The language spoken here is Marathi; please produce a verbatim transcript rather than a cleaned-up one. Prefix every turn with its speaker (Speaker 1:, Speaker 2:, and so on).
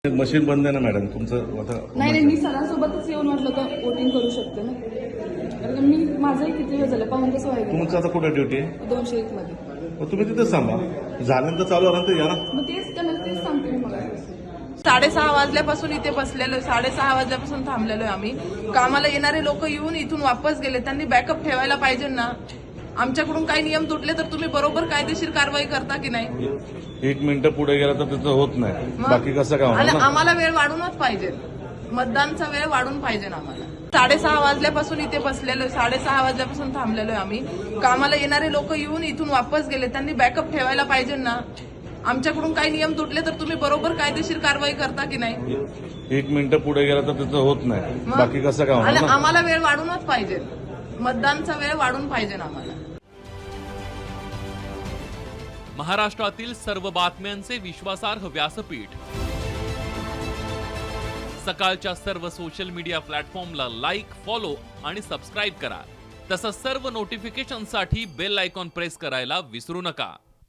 Speaker 1: मशीन बंद आहे ना मॅडम तुमचं आता.
Speaker 2: नाही नाही मी सरांसोबतच येऊन म्हटलं तर वोटिंग करू शकते ना. कारण मी माझंही किती वेळ झालं पाहून कसं व्हायचं.
Speaker 1: तुमचं आता कुठे ड्युटी आहे?
Speaker 2: दोनशे एक मध्ये.
Speaker 1: मग तुम्ही तिथेच थांबा, झाल्यानंतर चालू झाल्यानंतर या ना.
Speaker 2: मग तेच त्यांना तेच सांगते मी मला.
Speaker 3: साडेसहा वाजल्यापासून इथे बसलेलो आहे, साडेसहा वाजल्यापासून थांबलेलो आहे आम्ही. कामाला येणारे लोक येऊन इथून वापस गेले, त्यांनी बॅकअप ठेवायला पाहिजे ना. आमच्याकडून काही नियम तुटले तर तुम्ही बरोबर कायदेशीर कारवाई करता की नाही?
Speaker 1: एक मिनिटं पुढे गेला तर तिथं होत नाही,
Speaker 3: मग?
Speaker 1: बाकी कसं काय होणार
Speaker 3: आणि
Speaker 1: ना?
Speaker 3: आम्हाला वेळ वाढूनच पाहिजे, मतदानचा वेळ वाढून पाहिजे ना आम्हाला. साडेसहा वाजल्यापासून इथे बसलेलो आहे, साडेसहा वाजल्यापासून थांबलेलो आहे आम्ही. कामाला येणारे लोक येऊन इथून वापस गेले, त्यांनी बॅकअप ठेवायला पाहिजे ना. आमच्याकडून काही नियम तुटले तर तुम्ही बरोबर कायदेशीर कारवाई करता की नाही?
Speaker 1: एक मिनिटं पुढे गेला तर तिथं होत नाही,
Speaker 3: मग?
Speaker 1: बाकी कसं काय होणार
Speaker 3: आणि
Speaker 1: ना?
Speaker 3: आम्हाला वेळ वाढूनच पाहिजे, मतदानचा वेळ वाढून पाहिजे ना आम्हाला.
Speaker 4: महाराष्ट्रातील सर्व बातम्यांचे विश्वासार्ह व्यासपीठ, सकाळच्या सर्व सोशल मीडिया प्लॅटफॉर्मला लाईक, फॉलो आणि सबस्क्राईब करा. तसंच सर्व नोटिफिकेशनसाठी बेल आयकॉन प्रेस करायला विसरू नका.